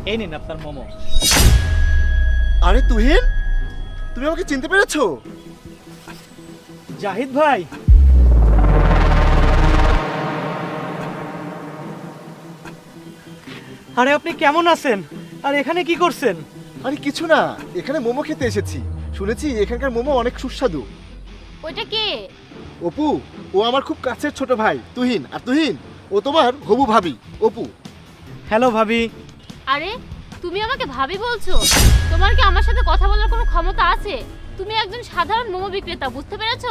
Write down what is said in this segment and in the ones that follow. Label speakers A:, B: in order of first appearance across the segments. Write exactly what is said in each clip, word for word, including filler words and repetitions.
A: এই নিন আপনার মোমো।
B: আরে তুহিন, তুমি আমাকে চিনতে পেরেছো?
A: জাহিদ ভাই, আরে আপনি কেমন আছেন? আর এখানে কি করছেন?
B: আরে কিছু না, এখানে মোমো খেতে এসেছি। শুনেছি এখানকার মোমো অনেক সুস্বাদু।
C: ওইটা কে?
B: অপু, ও আমার খুব কাছের ছোট ভাই তুহিন। আর তুহিন, ও তোমার হবু ভাবি অপু।
A: হ্যালো ভাবি।
C: আরে তুমি আমাকে ভাবি বলছো? তোমার কি আমার সাথে কথা বলার কোনো ক্ষমতা আছে? তুমি একজন সাধারণ মোমো বিক্রেতা, বুঝতে পেরেছো?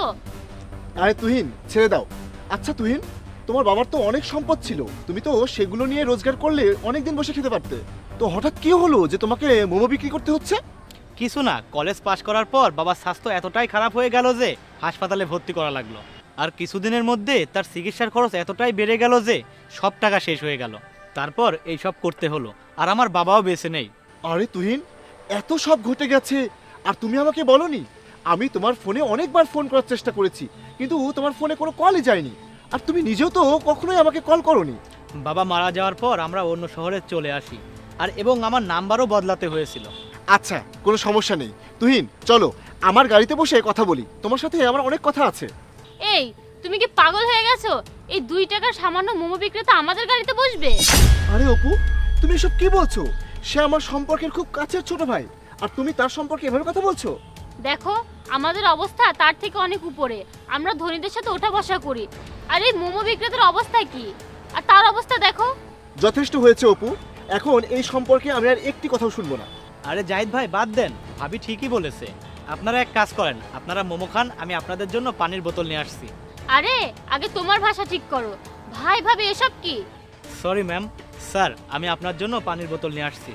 B: আরে তুহিন, ছেড়ে দাও। আচ্ছা তুহিন, তোমার বাবার তো অনেক সম্পদ ছিল, তুমি তো সেগুলো নিয়ে রোজগার করলে অনেক দিন বসে খেতে পারতে। তো হঠাৎ কি হলো যে তোমাকে মোমো বিক্রি করতে হচ্ছে?
A: কিছু না, কলেজ পাশ করার পর বাবার স্বাস্থ্য এতটাই খারাপ হয়ে গেল যে হাসপাতালে ভর্তি করা লাগলো। আর কিছুদিনের মধ্যে তার চিকিৎসার খরচ এতটাই বেড়ে গেল যে সব টাকা শেষ হয়ে গেল। তারপর এই সব করতে হলো, আর আমার বাবাও বেঁচে নেই।
B: আরে তুহিন, এত সব ঘটে গেছে আর তুমি আমাকে বলনি? আমি তোমার ফোনে অনেকবার ফোন করার চেষ্টা করেছি, কিন্তু তোমার ফোনে কোনো কলই যায়নি। আর তুমি নিজেও তো কখনোই আমাকে কল করোনি।
A: বাবা মারা যাওয়ার পর আমরা অন্য শহরে চলে আসি, আর এবং আমার নাম্বারও বদলাতে হয়েছিল।
B: আচ্ছা, কোনো সমস্যা নেই। তুহিন, চলো আমার গাড়িতে বসে কথা বলি, তোমার সাথে আমার অনেক কথা আছে।
C: এই, তুমি কি পাগল হয়ে গেছো? এই দুই টাকার সামান্য মোমো বিক্রেতা আমাদের গাড়িতে বসবে?
B: আরে অপু, তুমি এসব কি বলছো? সে আমার সম্পর্কের খুব কাছের ছোট ভাই, আর তুমি তার সম্পর্কে এভাবে কথা বলছো?
C: দেখো, আমাদের অবস্থা তার থেকে অনেক উপরে। আমরা ধনীদের সাথে ওঠা বসা করি, আর এই মোমো বিক্রেতার অবস্থা কি? আর তার অবস্থা দেখো।
B: যথেষ্ট হয়েছে অপু, এখন এই সম্পর্কে আমি আর একটি কথাও শুনবো না।
A: আরে জাহিদ ভাই, বাদ দেন, ভাবি ঠিকই বলেছে। আপনারা এক কাজ করেন, আপনারা মোমো খান, আমি আপনাদের জন্য পানির বোতল নিয়ে আসছি।
C: আরে আগে তোমার ভাষা ঠিক করো। ভাই ভাবি এসব কি?
A: Sorry ma'am. স্যার, আমি আপনার জন্য পানির বোতল নিয়ে আসছি।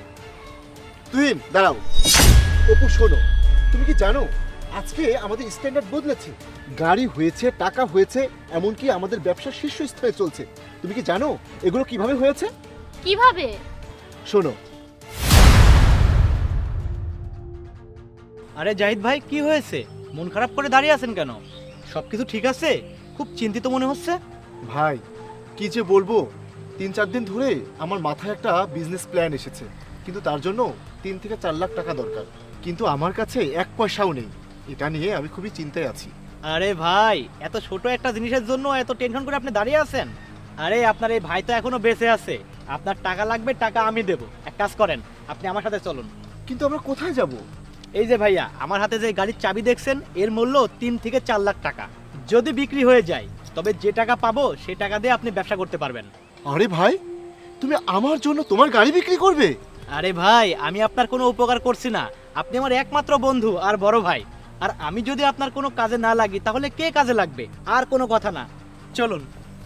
B: তুহিন দাঁড়াও। অপু শোনো, তুমি কি জানো আজকে আমাদের স্ট্যান্ডার্ড বদলেছে? গাড়ি হয়েছে, টাকা হয়েছে, এমনকি আমাদের ব্যবসা শীর্ষস্থানে চলছে। তুমি কি জানো এগুলো কিভাবে হয়েছে?
C: কিভাবে?
B: শোনো।
A: আরে জাহিদ ভাই, কি হয়েছে? মন খারাপ করে দাঁড়িয়ে আছেন কেন? সবকিছু ঠিক আছে? খুব চিন্তিত মনে হচ্ছে।
B: ভাই, কি যে বলবো, তিন চার দিন ধরে আমার মাথায় একটা বিজনেস প্ল্যান এসেছে, কিন্তু তার জন্য তিন থেকে চার লাখ টাকা দরকার। কিন্তু আমার কাছে এক পয়সাও নেই। এটা নিয়ে আমি খুবই চিন্তায় আছি।
A: আরে ভাই, এত ছোট একটা জিনিসের জন্য এত টেনশন করে আপনি দাঁড়িয়ে আছেন? আরে আপনার এই ভাই তো এখনো বেঁচে আছে। আপনার টাকা লাগবে, টাকা আমি দেবো। এক কাজ করেন, আপনি আমার সাথে চলুন।
B: কিন্তু আমরা কোথায় যাব?
A: এই যে ভাইয়া, আমার হাতে যে গাড়ির চাবি দেখছেন, এর মূল্য তিন থেকে চার লাখ টাকা। যদি বিক্রি হয়ে যায়, তবে যে টাকা পাবো সে টাকা দিয়ে আপনি ব্যবসা করতে পারবেন।
B: আরে ভাই, তুমি আমার জন্য তোমার গাড়ি বিক্রি করবে?
A: আরে ভাই, আমি আপনার কোনো উপকার করছি না। আপনি আমার একমাত্র বন্ধু আর বড় ভাই। আর আমি যদি আপনার কোনো কাজে না লাগি, তাহলে কে কাজে লাগবে? আর কোনো কথা না, চলুন।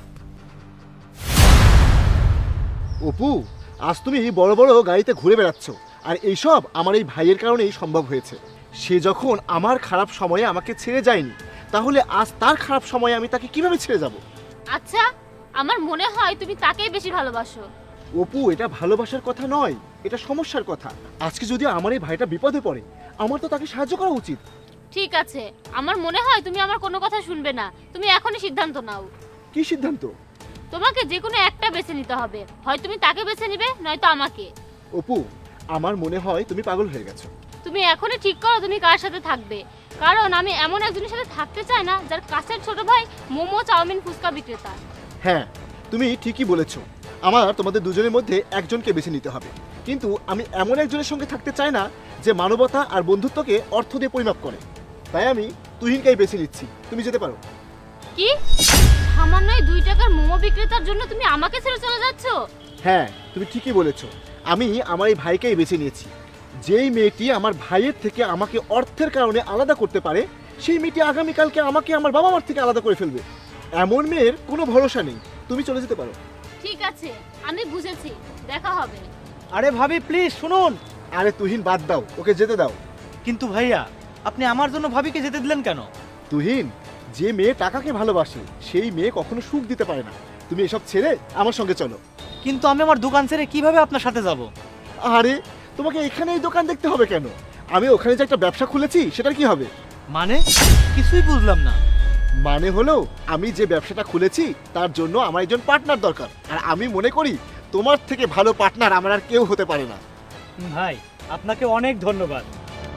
B: অপু, আজ তুমি বড় বড় গাড়িতে ঘুরে বেড়াচ্ছ, আর এইসব আমার এই ভাইয়ের কারণেই সম্ভব হয়েছে। সে যখন আমার খারাপ সময়ে আমাকে ছেড়ে যায়নি, তাহলে আজ তার খারাপ সময়ে আমি তাকে কিভাবে ছেড়ে যাব?
C: আচ্ছা, আমার মনে হয় তুমি তাকেই বেশি ভালোবাসো।
B: অপু, এটা ভালোবাসার কথা নয়, এটা সমস্যার কথা। আজকে যদি আমার এই ভাইটা বিপদে পড়ে, আমার তো তাকে সাহায্য করা উচিত।
C: ঠিক আছে, আমার মনে হয় তুমি আমার কোনো কথা শুনবে না। তুমি এখনই সিদ্ধান্ত নাও।
B: কি সিদ্ধান্ত?
C: তোমাকে যে কোনো একটা বেছে নিতে হবে। হয় তুমি তাকে বেছে নিবে, নয়তো আমাকে।
B: অপু, আমার মনে হয় তুমি পাগল হয়ে গেছো।
C: তুমি এখনই ঠিক করো তুমি কার সাথে থাকবে। কারণ আমি এমন একজনের সাথে থাকতে চাই না যার কাছের ছোট ভাই মোমো, চাউমিন, ফুচকা বিক্রেতা।
B: হ্যাঁ, তুমি ঠিকই বলেছো। আমার তোমাদের দুজনের মধ্যে একজনকে বেছে নিতে হবে, কিন্তু আমি এমন একজনের সঙ্গে থাকতে চাই না যে মানবতা আর বন্ধুত্বকে অর্থ দিয়ে পরিমাপ করে। তাই আমি তুহিনকেই বেছে নিচ্ছি। তুমি যেতে পারো।
C: কি? সামান্য এই দুই টাকার মোমো বিক্রেতার জন্য তুমি আমাকে ছেড়ে চলে যাচ্ছ?
B: হ্যাঁ, তুমি ঠিকই বলেছো। আমি আমার এই ভাইকেই বেছে নিয়েছি। যেই মেয়েটি আমার ভাইয়ের থেকে আমাকে অর্থের কারণে আলাদা করতে পারে, সেই মেয়েটি আগামীকালকে আমাকে আমার বাবা মার থেকে আলাদা করে ফেলবে। এমন মেয়ের কোনো ভরসা নেই। তুমি চলে যেতে পারো।
C: ঠিক আছে, আমি বুঝেছি, দেখা হবে।
A: আরে ভাবি, প্লিজ শুনুন।
B: আরে তুহিন, বাদ দাও, ওকে যেতে দাও।
A: কিন্তু ভাইয়া, আপনি আমার জন্য ভাবিকে যেতে দিলেন কেন?
B: তুহিন, যে মেয়ে টাকাকে ভালোবাসে সেই মেয়ে কখনো সুখ দিতে পারে না। তুমি এসব ছেড়ে আমার সঙ্গে চলো।
A: কিন্তু আমি আমার দোকান ছেড়ে কিভাবে আপনার সাথে যাব?
B: আরে, তোমাকে এখানে এই দোকান দেখতে হবে কেন? আমি ওখানে যে একটা ব্যবসা খুলেছি, সেটার কি হবে?
A: মানে কিছুই বুঝলাম না।
B: মানে হলো, আমি যে ব্যবসাটা খুলেছি তার জন্য আমার একজন পার্টনার দরকার, আর আমি মনে করি তোমার থেকে ভালো পার্টনার আমার আর কেউ হতে পারে না।
A: ভাই আপনাকে অনেক ধন্যবাদ।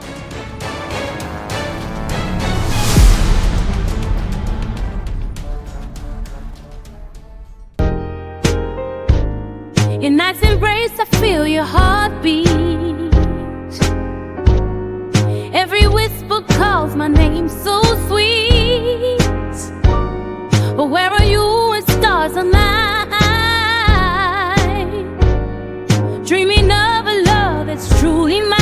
D: In night's embrace, I feel your heartbeat. Every whisper calls my name so sweet. But where are you when stars align? Dreaming of a love that's truly mine.